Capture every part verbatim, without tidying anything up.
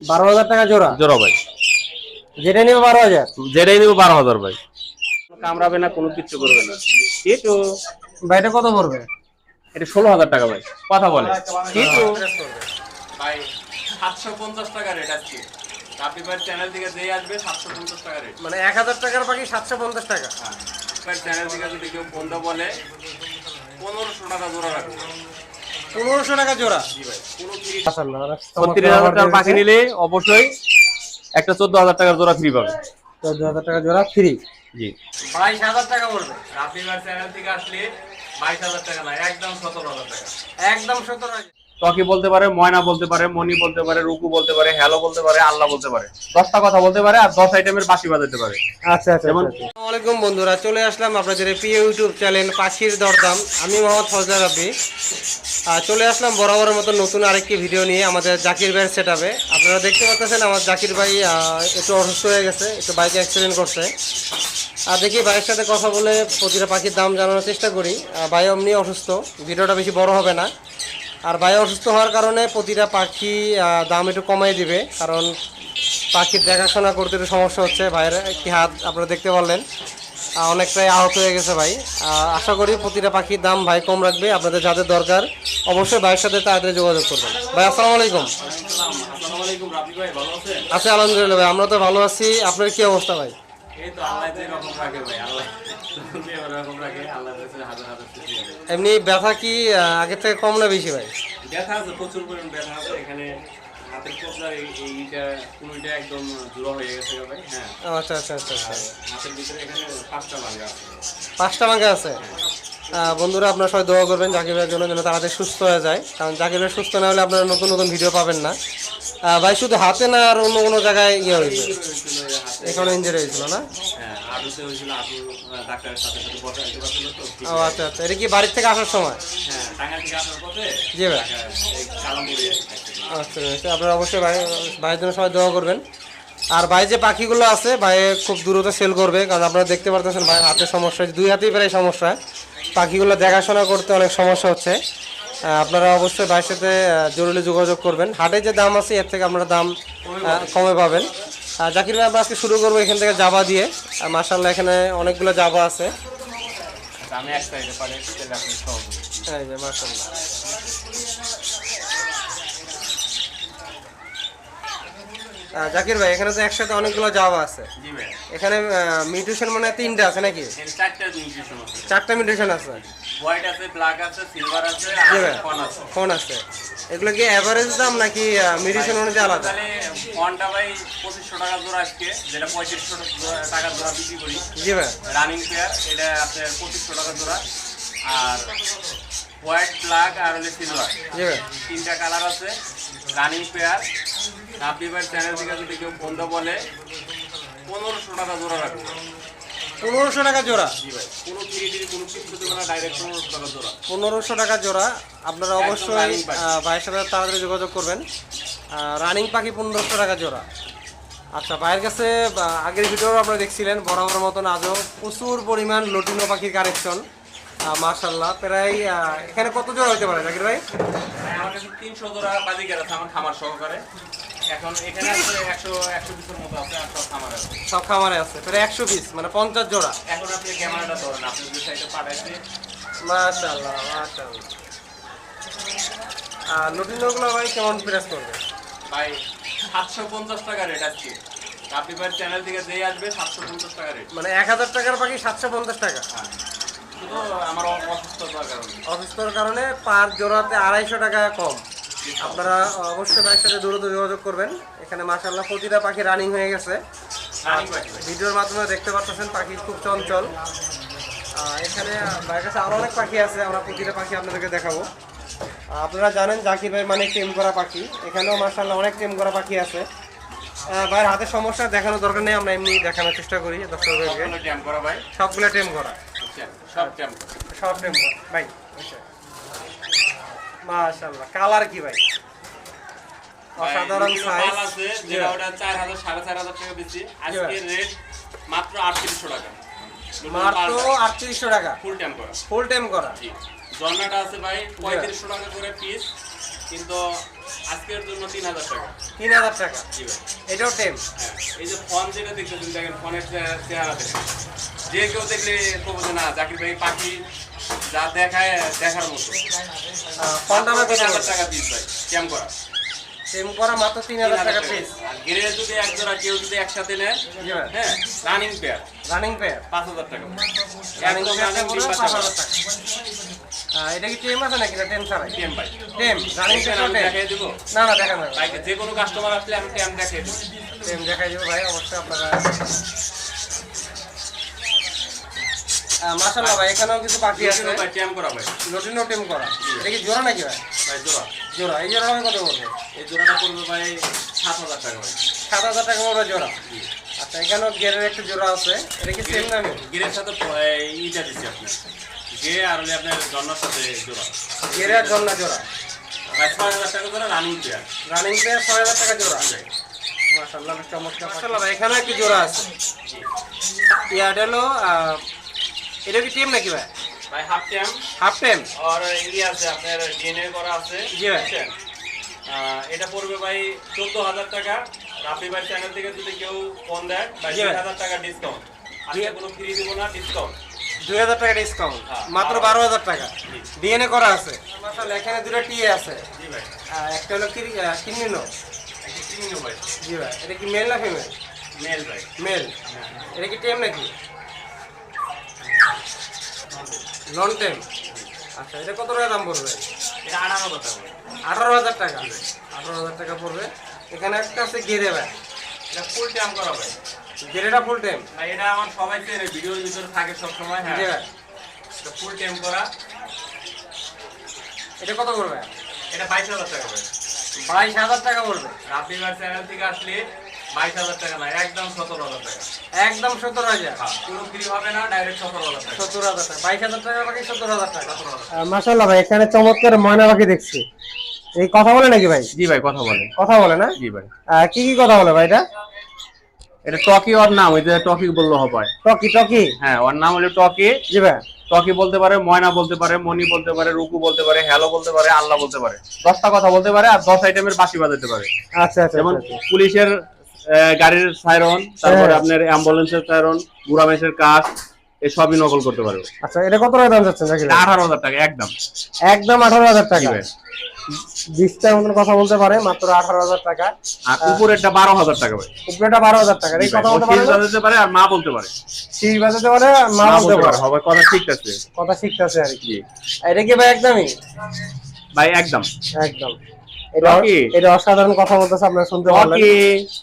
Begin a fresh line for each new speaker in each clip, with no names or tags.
বারো হাজার টাকা জোড়া
জোড়া ভাই।
যেটা নিবে বারো হাজার,
যেটাই নিব বারো হাজার ভাই। কামড়াবে না, কোনো কিছু করবে না। কিন্তু
ভাই এটা কত পড়বে?
এটা ষোলো হাজার টাকা ভাই, কথা বলে। কিন্তু
ভাই সাতশো পঞ্চাশ টাকা রেট আছে। আপনি ভাই চ্যানেল থেকে যেই আসবে সাতশো পঞ্চাশ টাকা রেট।
মানে এক হাজার টাকার পাখি সাতশো পঞ্চাশ টাকা।
হ্যাঁ, ভাই চ্যানেল থেকে যদি কেউ বন্ধ বলে পনেরোশো টাকা জোড়া রাখবে।
পনেরোশো টাকা জোড়া।
জি ভাই, কোনো ফ্রি।
ছত্রিশ হাজার টাকার পাখি নিলে অবশ্যই একটা চোদ্দ হাজার টাকার জোড়া ফ্রি পাবে।
চোদ্দ হাজার টাকা জোড়া ফ্রি।
জি,
বাইশ হাজার টাকা পড়বে। আপনি ভাই চ্যানেল থেকে আসলে বাইশ হাজার টাকা না, একদম সতেরো হাজার টাকা।
একদম সতেরো হাজার।
টকি বলতে পারে, ময়না বলতে পারে, মনি বলতে পারে, রুকু বলতে পারে, হ্যালো বলতে পারে, আল্লাহ বলতে পারে, দশটা কথা বলতে পারে, আর দশ আইটেমের বাঁশি বাজাতে পারে।
আচ্ছা আচ্ছা। আসসালামু আলাইকুম বন্ধুরা, চলে আসলাম আপনাদের এই প্রিয় ইউটিউব চ্যানেল পাখির দরদাম। আমি মোহাম্মদ ফজল রাব্বি। আর চলে আসলাম বরাবরের মতো নতুন আরেকটি ভিডিও নিয়ে আমাদের জাকির ভাইয়ের সেট আপে। আপনারা দেখতে পাচ্ছেন আমার জাকির ভাই একটু অসুস্থ হয়ে গেছে, একটু বাইকে অ্যাক্সিডেন্ট করছে। আর দেখি ভাইয়ের সাথে কথা বলে প্রতিটা পাখির দাম জানানোর চেষ্টা করি। ভাই এমনি অসুস্থ, ভিডিওটা বেশি বড় হবে না। আর ভাই অসুস্থ হওয়ার কারণে প্রতিটা পাখি দাম একটু কমাই দিবে, কারণ পাখির দেখাশোনা করতে একটু সমস্যা হচ্ছে। ভাইয়ের একটি হাত আপনারা দেখতে পারলেন অনেকটাই আহত হয়ে গেছে ভাই। আশা করি প্রতিটা পাখির দাম ভাই কম রাখবে। আপনাদের যাদের দরকার অবশ্যই ভাইয়ের সাথে তাড়াতাড়ি যোগাযোগ করবেন। ভাই আসসালামু আলাইকুম।
আসসালামু আলাইকুম রাব্বি ভাই, ভালো আছেন?
আচ্ছা আলহামদুলিল্লাহ ভাই, আমরা তো ভালো আছি। আপনার কি অবস্থা ভাই?
এই তো আল্লাহ যে রকম রাখে ভাই, আল্লাহ যে রকম রাখে, আল্লাহর কাছে হাজার হাজার খুশি হবে।
এমনি ব্যথা কি আগের থেকে কম না বেশি ভাই?
ব্যথা আছে, প্রচুর পরিমাণ ব্যথা আছে। এখানে হাতের কবজার এই এইটা কোনোটা একদম জোড়া হয়ে গেছে ভাই। হ্যাঁ,
আচ্ছা আচ্ছা আচ্ছা আচ্ছা।
হাতের ভিতরে এখানে পাঁচটা ভাঙা আছে।
পাঁচটা ভাঙা আছে। বন্ধুরা আপনারা সবাই দোয়া করবেন জাকির ভাইয়ের জন্য, যেন তাড়াতাড়ি সুস্থ হয়ে যায়, কারণ জাকির ভাই সুস্থ না হলে আপনারা নতুন নতুন ভিডিও পাবেন না। ভাই শুধু হাতে না আর অন্য কোনো জায়গায় ইয়ে হয়েছে? এখানে ইঞ্জুরি হয়েছিল না?
হ্যাঁ, আটুতে হয়েছিল। আটু ডাক্তারের সাথে সাথে বসা দিতে পারছিল তো।
ও আচ্ছা আচ্ছা। এটা কি বাড়ির থেকে আসার সময়?
হ্যাঁ, টাঙ্গা থেকে আসার পথে।
জি ভাই।
কালামপুরে।
আচ্ছা আচ্ছা, আপনারা অবশ্যই ভাই ভাইয়ের জন্য সবাই দোয়া করবেন। আর ভাই যে পাখিগুলো আছে ভাই খুব দ্রুত সেল করবে, কারণ আপনারা দেখতে পারতেছেন ভাই হাতের সমস্যা, দুই হাতেই প্রায় সমস্যা। পাখিগুলো দেখাশোনা করতে অনেক সমস্যা হচ্ছে। আপনারা অবশ্যই ভাইয়ের সাথে জরুরি যোগাযোগ করবেন। হাটে যে দাম আছে এর থেকে আপনারা দাম কমে পাবেন। জাকির ভাই আমরা আজকে শুরু করবো এখান থেকে জাবা দিয়ে। মাশাআল্লাহ এখানে অনেকগুলো জাবা আছে।
আমি এক সাইডে পারে তেল আপনি সব।
এই যে মাশাআল্লাহ। জাকির ভাই এখানে তো একসাথে অনেকগুলো জাবা আছে।
জি ভাই।
এখানে মিউটেশন মানে তিনটা আছে নাকি?
চারটা মিউটেশন আছে।
চারটা মিউটেশন আছে।
হোয়াইট আছে, ব্ল্যাক আছে, সিলভার আছে,
জি
আর
ভাই।
ফন আছে।
ফোন আছে। এগুলো কি এভারেজ দাম নাকি মিউটেশন অনুযায়ী আলাদা?
তাহলে ফনটা ভাই পঁচিশশো টাকা জোড়া আজকে, যেটা পঁয়ত্রিশশো টাকা জোড়া বিক্রি করি।
জি ভাই।
রানিং পেয়ার এটা আপনার পঁচিশশো টাকা জোড়া। আর হোয়াইট, ব্ল্যাক আর হলে সিলভার,
জি ভাই।
তিনটা কালার আছে। Running pair. আপনি ভাই চ্যানেল থেকে যদি কেউ বন্ধ বলে পনেরোশো টাকা জোড়া রাখবে।
পনেরোশো টাকা জোড়া।
জি ভাই, কোনো ফ্রি টিরি কোনো কিছু দেবে না, ডাইরেক্ট পনেরোশো টাকা জোড়া।
পনেরোশো টাকা জোড়া। আপনারা অবশ্যই
running পাখি।
ভাইয়ের সাথে তাড়াতাড়ি যোগাযোগ করবেন। রানিং পাখি পনেরোশো টাকা জোড়া। আচ্ছা, ভাইয়ের কাছে আহ, আগের ভিডিও আপনারা দেখছিলেন বরাবর মতন আজও প্রচুর পরিমাণ লটিনো পাখির কালেকশন। মাশাআল্লাহ প্রায় আহ, এখানে কত জোড়া হতে পারে জাকির ভাই?
ভাই, আমার কাছে তিনশো জোড়া বাজিকার আছে আমার খামার সহকারে। এখন এখানে আছে একশো একশো পিসের মতো আছে, আর সব খামার আছে।
সব খামারে আছে প্রায় একশো পিস, মানে পঞ্চাশ জোড়া।
এখন আপনি ক্যামেরাটা ধরেন, আপনি যে সাইডে পাঠাইছে।
মাশাআল্লাহ মাশাআল্লাহ। আর লটিনোগুলো ভাই কেমন প্রেস করবে?
ভাই সাতশো পঞ্চাশ টাকা রেট আজকে। আপনি ভাই চ্যানেল থেকে যেই আসবে সাতশো পঞ্চাশ টাকা রেট।
মানে এক হাজার টাকার পাখি সাতশো পঞ্চাশ টাকা।
হ্যাঁ, শুধু আমার অসুস্থতার কারণে।
অসুস্থর কারণে পার জোড়াতে আড়াইশো টাকা কম। আপনারা অবশ্যই ভাইয়ের সাথে দ্রুত যোগাযোগ করবেন। এখানে মাশাআল্লাহ প্রতিটা পাখি রানিং হয়ে গেছে।
রানিং পাখি ভাই।
ভিডিওর মাধ্যমে দেখতে পাচ্ছেন পাখি খুব চঞ্চল। আহ, এখানে ভাইয়ের কাছে আরও অনেক পাখি আছে, আমরা প্রতিটা পাখি আপনাদেরকে দেখাবো। আহ, আপনারা জানেন জাকির ভাই মানে টেম করা পাখি, এখানেও মাশাআল্লাহ অনেক টেম করা পাখি আছে। আহ, ভাইয়ের হাতের সমস্যা দেখানোর দরকার নেই, আমরা এমনি দেখানোর চেষ্টা করি দর্শকদেরকে।
সবগুলো ট্যাম করা ভাই।
সবগুলো টেম করা।
বুঝছেন? সব ট্যাম করা।
সব টেম করা ভাই। মাশাআল্লাহ কালার কি ভাই? অসাধারণ
ভাই,
সাইজ।
মাল আছে যেটা ওটা চার হাজার সাড়ে চার হাজার টাকা বেশি। আজকে রেট মাত্র আটত্রিশশো টাকা।
মাত্র আটত্রিশশো টাকা
ফুল ট্যাম করা।
ফুল টাইম করা।
জি। জন্নাটা আছে ভাই পঁয়ত্রিশশো টাকা করে পিস। কিন্তু আজকের জন্য তিন হাজার টাকা।
তিন হাজার টাকা।
জি ভাই।
এটাও টেম।
হ্যাঁ, এই যে ফোন যেটা দেখতেছেন দেখেন, ফোনের চেহারা দেখেন, যে কেউ দেখলে বলবো যে না জাকির ভাই পাখি যা দেখায় দেখার মতো।
ফোনটা
তিন হাজার টাকা পিস ভাই, ক্যাম করা
টেম করা মাত্র তিন হাজার টাকা পিস।
আর গেরে যদি এক জোড়া কেউ যদি একসাথে নেয়,
জি ভাই।
হ্যাঁ, রানিং পেয়ার
রানিং পেয়ার
পাঁচ হাজার টাকা।
রানিং
একদম
পেয়ারটা
running
পড়বে
ডিম
পাঁচ
বাচ্চা
হাজার টাকা। আহ, এটা কি টেম আছে নাকি না টেম ছাড়াই?
টেম ভাই।
টেম রানিং
দেখেন,
পেয়ারটা
আমি
টেম।
দেখাই দেবো
না না দেখা না
ভাই, যে কোনো কাস্টমার আসলে আমি টেম দেখাই দেবো।
টেম দেখাই দেবো ভাই, অবশ্যই আপনারা। আহ, মাশাআল্লাহ ভাই, এখানেও কিছু পাখি আছে।
ভাই টেম করা ভাই,
লটিনো টেম করা। এটা কি জোড়া নাকি ভাই?
ভাই জোড়া।
জোড়া। এই জোড়া আমি কত বলবো?
এই জোড়াটা পড়বে ভাই সাত হাজার টাকা ভাই।
সাত হাজার টাকা বড় জোড়া। আচ্ছা, এখানেও গেরের একটা জোড়া আছে। এটা কি সেম দামে?
গিরের সাথে ইটা দিচ্ছি আপনার, গে আর হলে আপনার জন্নার সাথে জোড়া
গেরে আর জন্না জোড়া।
ভাই ছয় হাজার টাকা জোড়া রানিং পেয়ার।
রানিং পেয়ার ছয় হাজার টাকা জোড়া। মাশাআল্লাহ, বেশ চমৎকার। মাশাআল্লাহ ভাই, এখানে একটি জোড়া আছে। ইয়ার হলো আহ, এটা কি টেম নাকি ভাই?
ভাই হাফ টেম
হাফ টেম।
আর ইয়ে আছে আপনার ডিএনএ করা আছে।
জি ভাই।
বুঝছেন? আহ, এটা পড়বে ভাই চোদ্দ হাজার টাকা। রাফি ভাই চ্যানেল থেকে যদি কেউ ফোন দেয় ভাই
জি
দুই
ভাই।
হাজার টাকা ডিসকাউন্ট। আজকে কোনো ফ্রি দিব না, ডিসকাউন্ট।
দুই হাজার টাকা ডিসকাউন্ট,
হ্যাঁ,
মাত্র
বারো
বারো হাজার টাকা।
জি।
ডিএনএ করা আছে। মাশাআল্লাহ, এখানে দুটো টিএ আছে।
জি ভাই।
আহ, একটা হলো কি কিনিনো।
একটা কিনিনো ভাই,
জি ভাই। এটা কি মেল না ফিমেল?
মেল ভাই।
মেল।
হ্যাঁ।
এটা কি টেম নাকি? নন টেম। আচ্ছা, এটা কত টাকা দাম পড়বে?
এটা আঠারো হাজার টাকা ভাই।
আঠারো হাজার টাকা। আঠারো হাজার টাকা পড়বে। এখানে একটা আছে গেরে ভাই।
এটা ফুল টেম করা ভাই।
গেরেটা ফুল টেম।
ভাই এটা আমার সবাই চেনে, ভিডিওর ভিতরে থাকে সব সময়। হ্যাঁ,
জি ভাই।
এটা ফুল টেম করা।
এটা কত পড়বে?
এটা বাইশ হাজার টাকা ভাই।
বাইশ হাজার টাকা পড়বে।
রাফি ভাই চ্যানেল থেকে আসলে বাইশ হাজার টাকা না, একদম সতেরো হাজার টাকা।
একদম সত্তর হাজার।
হ্যাঁ, কোনো ফ্রি হবে না, ডাইরেক্ট সতেরো হাজার টাকা।
সত্তর হাজার টাকা। বাইশ হাজার টাকা বাকি সত্তর হাজার টাকা।
সতেরো হাজার।
মাশাআল্লাহ ভাই, এখানে চমৎকার ময়না পাখি দেখছি। এই কথা বলে নাকি ভাই?
জি ভাই, কথা বলে।
কথা বলে না?
জি ভাই।
আহ, কি কি কথা বলে ভাই এটা?
এটা টকি, ওর নাম ওই যে টকি বললে হবে।
Talkie talkie.
হ্যাঁ, ওর নাম হলো টকি।
জি ভাই।
টকি বলতে পারে, ময়না বলতে পারে, মনি বলতে পারে, রুকু বলতে পারে, হ্যালো বলতে পারে, আল্লাহ বলতে পারে। দশটা কথা বলতে পারে আর দশ আইটেমের বাঁশি বাজাতে পারে।
আচ্ছা আচ্ছা।
যেমন
আচ্ছা, আচ্ছা।
পুলিশের আহ, গাড়ির সাইরন, তারপরে
হ্যাঁ।
আপনার অ্যাম্বুলেন্সের সাইরন, বুড়া মেসের কাজ, এসবই নকল করতে পারবে।
আচ্ছা, এটা কত টাকা দাম যাচ্ছে নাকি?
এটা আঠারো হাজার টাকা একদম।
একদম আঠারো হাজার
জি
টাকা।
ভাই।
বিশটার মতন কথা বলতে পারে, মাত্র আঠারো হাজার টাকা।
আর উপরেরটা বারো হাজার টাকা ভাই।
উপরেটা বারো হাজার টাকা। এই
জি ভাই,
কথা
ও
বলতে
শীষ
পারে না?
বাজাতে পারে আর মা বলতে পারে।
শীষ বাজাতে পারে, মা
মা
বলতে পারে।
হবে, কথা ঠিক আছে।
কথা শিখতেছে আর কি।
জি
এটা কি ভাই একদমই?
ভাই, একদম।
একদম। এটা
টকি।
এটা অসাধারণ কথা বলতেছে, আপনারা শুনতে পারলেন।
টকি।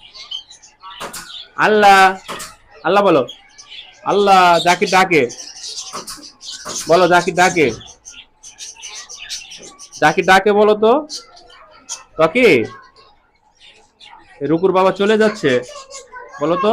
আল্লাহ আল্লাহ বলো। আল্লাহ জাকির ডাকে বলো, জাকির ডাকে, জাকির ডাকে বলো তো। টকি, রুকুর বাবা চলে যাচ্ছে, বলো তো।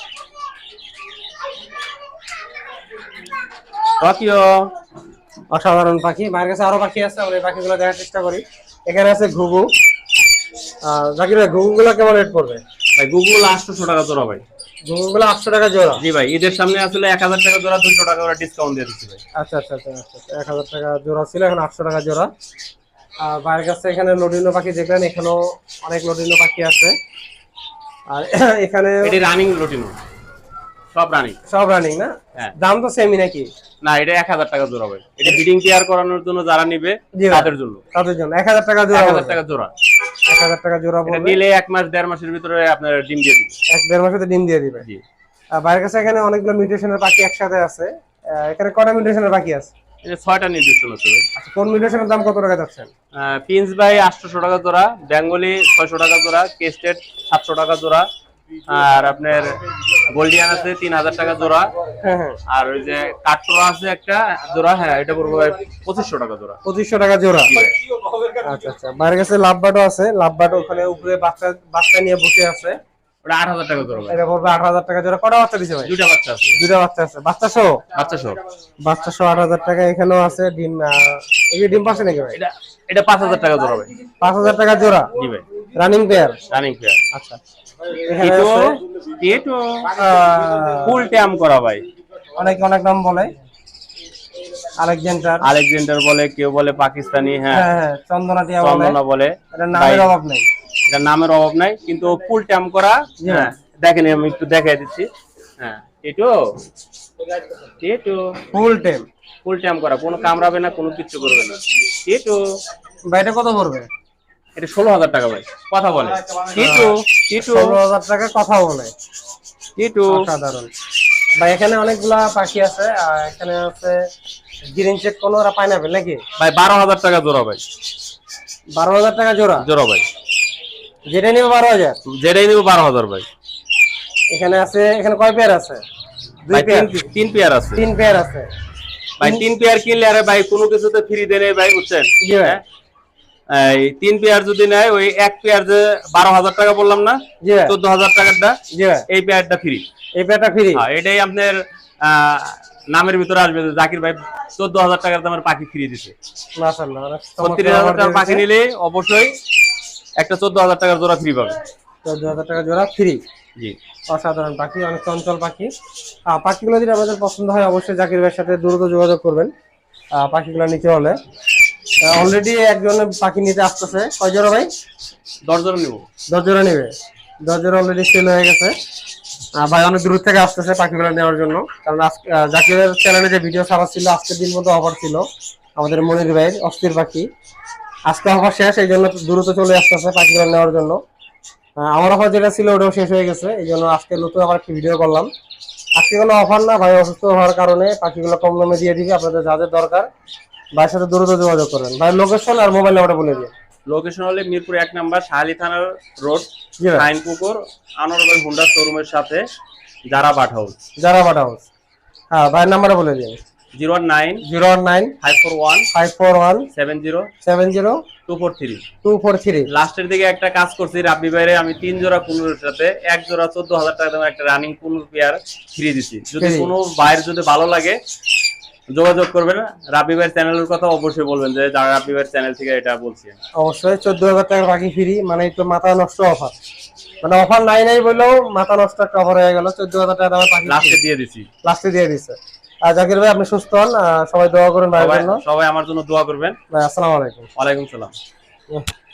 টকিও।
অসাধারণ পাখি। মায়ের কাছে আরো পাখি আছে, আমরা এই পাখিগুলো দেখার চেষ্টা করি। এখানে আছে ঘুঘু। আহ জাকির ভাই, ঘুঘুগুলো কেমন রেট পড়বে?
ভাই গুগল আটশোশো টাকা জোড়া ভাই।
ঘুঘুগুলো আটশো টাকা জোড়া।
জি ভাই, ঈদের সামনে আসলে এক হাজার টাকা জোড়া, দুশো টাকা করে ডিসকাউন্ট দিয়ে দিচ্ছি ভাই।
আচ্ছা আচ্ছা আচ্ছা আচ্ছা। এক হাজার টাকা জোড়া ছিল, এখন আটশো টাকা জোড়া। আর বাইরের কাছে এখানে লটিনো পাখি দেখলেন, এখানেও অনেক লটিনো পাখি আছে। আর এখানে
এটি রানিং লটিনো, সব রানিং।
সব রানিং না?
হ্যাঁ।
দাম তো সেমই নাকি?
না, এটা এক হাজার টাকা জোড়া ভাই। এটা ব্রিডিং কেয়ার করানোর জন্য যারা নিবে
জি ভাই।
তাদের জন্য
তাদের জন্য এক হাজার টাকা জোড়া।
এক হাজার টাকা জোড়া।
এক হাজার টাকা জোড়া
এটা
পড়বে।
নিলে এক মাস দেড় মাসের ভিতরে আপনার ডিম দিয়ে দিবে।
এক দেড় মাসে ডিম দিয়ে দিবে।
জি।
আর বাইরের কাছে এখানে অনেকগুলো মিউটেশনের পাখি একসাথে আছে। আহ, এখানে কটা মিউটেশনের পাখি আছে?
এটা ছয়টা নির্দিষ্ট আছে ভাই।
আচ্ছা, কোন মিউটেশনের দাম কত টাকা যাচ্ছেন?
পিন্স ভাই আটশোশো টাকা জোড়া, বেঙ্গলি ছয়শো টাকা জোড়া, কেস্টেড সাতশো টাকা জোড়া, আর আপনার গোল্ডিয়ান আছে তিন হাজার টাকা জোড়া,
হ্যাঁ হ্যাঁ।
আর ওই যে কাটরা আছে একটা জোড়া, হ্যাঁ এটা পড়বে ভাই পঁচিশশো টাকা জোড়া।
পঁচিশশো টাকা জোড়া।
জি ভাই।
আচ্ছা আচ্ছা। বাইরের কাছে লাভবাটও আছে। লাভবাট ওখানে উপরে বাচ্চা বাচ্চা নিয়ে বসে আছে।
ওটা আট হাজার টাকা জোড়া ভাই।
এটা পড়বে আট হাজার টাকা জোড়া। কটা বাচ্চা দিছে ভাই?
দুটা বাচ্চা আছে।
দুটা বাচ্চা আছে। বাচ্চা সহ?
বাচ্চা সহ।
বাচ্চা সহ আট হাজার টাকা। এখানেও আছে ডিম। আহ, এই যে ডিম পাচ্ছে নাকি ভাই?
এটা এটা পাঁচ হাজার টাকা জোড়া ভাই।
পাঁচ হাজার টাকা জোড়া।
জি ভাই।
Running pair.
Running pair.
আচ্ছা। এখানে
এটো
আছে
এটো
আহ,
ফুল ট্যাম করা ভাই।
অনেক অনেক নাম বলে। আলেকজান্ডার
আলেকজান্ডার বলে, কেউ বলে পাকিস্তানি। হ্যাঁ
হ্যাঁ হ্যাঁ চন্দনা টিয়া বলে,
চন্দনা বলে।
এটা নামের অভাব নেই,
এটা নামের অভাব নাই, কিন্তু ফুল ট্যাম করা।
জি
হ্যাঁ দেখেন আমি একটু দেখাই দিচ্ছি। হ্যাঁ টিটু টিটু
ফুল টেম।
ফুল ট্যাম করা, কোনো কামড়াবে না, কোনো কিচ্ছু করবে না। টিটু
ভাই এটা কত পড়বে?
এটা ষোলো হাজার টাকা ভাই, কথা বলে। টিটু টিটু
ষোলো হাজার টাকা কথা বলে,
টিটু
অসাধারণ। ভাই এখানে অনেকগুলা পাখি আছে, আর এখানে আছে গ্রিন চেক কোনো ওরা পাইনাপেল নাকি?
ভাই বারো হাজার টাকা জোড়া ভাই,
বারো হাজার টাকা জোড়া
জোড়া ভাই,
যেটা নিবে বারো হাজার।
যেটাই নিবো বারো হাজার ভাই।
এখানে আছে, এখানে কয় পেয়ার আছে? দুই
ভাই
পেয়ার,
তিন তিন পেয়ার আছে
তিন পেয়ার আছে
ভাই। তিন পেয়ার কিনলে আরে ভাই কোনো কিছুতে ফ্রি দেনে ভাই, বুঝছেন?
জি ভাই।
হ্যাঁ, এই তিন পেয়ার যদি নেয়, ওই এক পেয়ার যে বারো হাজার টাকা বললাম না,
জি ভাই।
চোদ্দ হাজার টাকারটা,
জি ভাই,
এই পেয়ারটা ফ্রি।
এই পেয়ারটা ফ্রি।
হ্যাঁ এটাই আপনার আহ, নামের ভিতরে আসবে যে জাকির ভাই চোদ্দ হাজার টাকার দামের পাখি ফ্রি দিছে।
মাশাআল্লাহ, অনেক
ছত্রিশ
চমৎকার
হাজার
offer
টাকার পাখি
দিয়েছে।
নিলে অবশ্যই একটা চোদ্দ হাজার টাকার জোড়া ফ্রি পাবে।
চোদ্দ হাজার টাকা জোড়া ফ্রি।
জি
অসাধারণ পাখি, অনেক চঞ্চল পাখি। আহ, পাখিগুলো যদি আপনাদের পছন্দ হয় অবশ্যই জাকির ভাইয়ের সাথে দ্রুত যোগাযোগ করবেন আহ, পাখিগুলো নিতে হলে। অলরেডি একজন পাখি নিতে আসতেছে, কয় জোড়া ভাই?
দশ জোড়া নিবো।
দশ জোড়া নিবে, দশ জোড়া অলরেডি সেল হয়ে গেছে। আহ, ভাই অনেক দূর থেকে আসতেছে পাখিগুলো নেওয়ার জন্য, কারণ আজকে আহ, জাকিরের চ্যানেলে যে ভিডিও ছাড়া ছিল আজকের দিন মতো অফার ছিল আমাদের মনির ভাইয়ের অস্থির পাখি। আজকে অফার শেষ, এই জন্য দ্রুত চলে আসতেছে পাখিগুলো নেওয়ার জন্য। আহ, আমার অফার যেটা ছিল ওটাও শেষ হয়ে গেছে, এই জন্য আজকে নতুন আবার একটি ভিডিও করলাম। আজকে কোনো অফার না, ভাই অসুস্থ হওয়ার কারণে পাখিগুলো কম দামে দিয়ে দিবে। আপনাদের যাদের দরকার ভাইয়ের সাথে দ্রুত যোগাযোগ করবেন। ভাই লোকেশন আর মোবাইল নাম্বারটা বলে দিন।
লোকেশন হলে মিরপুর এক নাম্বার শাহালি থানার রোড,
জি ভাই।
আইন পুকুর, আনোয়ার ভাই হুন্ডা শোরুমের সাথে, যারা বাট হাউস।
যারা বাটা হাউস। হ্যাঁ ভাইয়ের নাম্বারটা বলে দিন।
Zero one nine
zero one nine
five four one
five four one
seven zero
seven zero
two four three.
Two four three.
লাস্টের দিকে একটা কাজ করছি রাব্বি ভাইরে, আমি তিন জোড়া কুনুরের সাথে এক জোড়া চোদ্দ হাজার টাকা দামের একটা রানিং কুনুর পেয়ার ফ্রি দিচ্ছি। যদি
Free।
কোনো ভাইয়ের যদি ভালো লাগে যোগাযোগ করবেন। রাব্বি ভাইয়ের চ্যানেলের কথা অবশ্যই বলবেন যে যারা রাব্বি ভাইয়ের চ্যানেল থেকে এটা বলছি।
অবশ্যই চোদ্দ হাজার টাকার পাখি ফ্রি, মানে তো মাথা নষ্ট অফার, মানে অফার নাই নাই বললেও মাথা নষ্ট একটা অফার হয়ে গেল। চোদ্দ হাজার টাকা দামের পাখি
লাস্টে দিয়ে দিছি।
লাস্টে দিয়ে দিচ্ছে। আর জাকির ভাই আপনি সুস্থ হন, আহ, সবাই দোয়া করেন ভাইয়ের
সবাই
জন্য।
সবাই আমার জন্য দোয়া করবেন।
ভাই আসসালামু আলাইকুম।
ওয়ালাইকুম সালাম।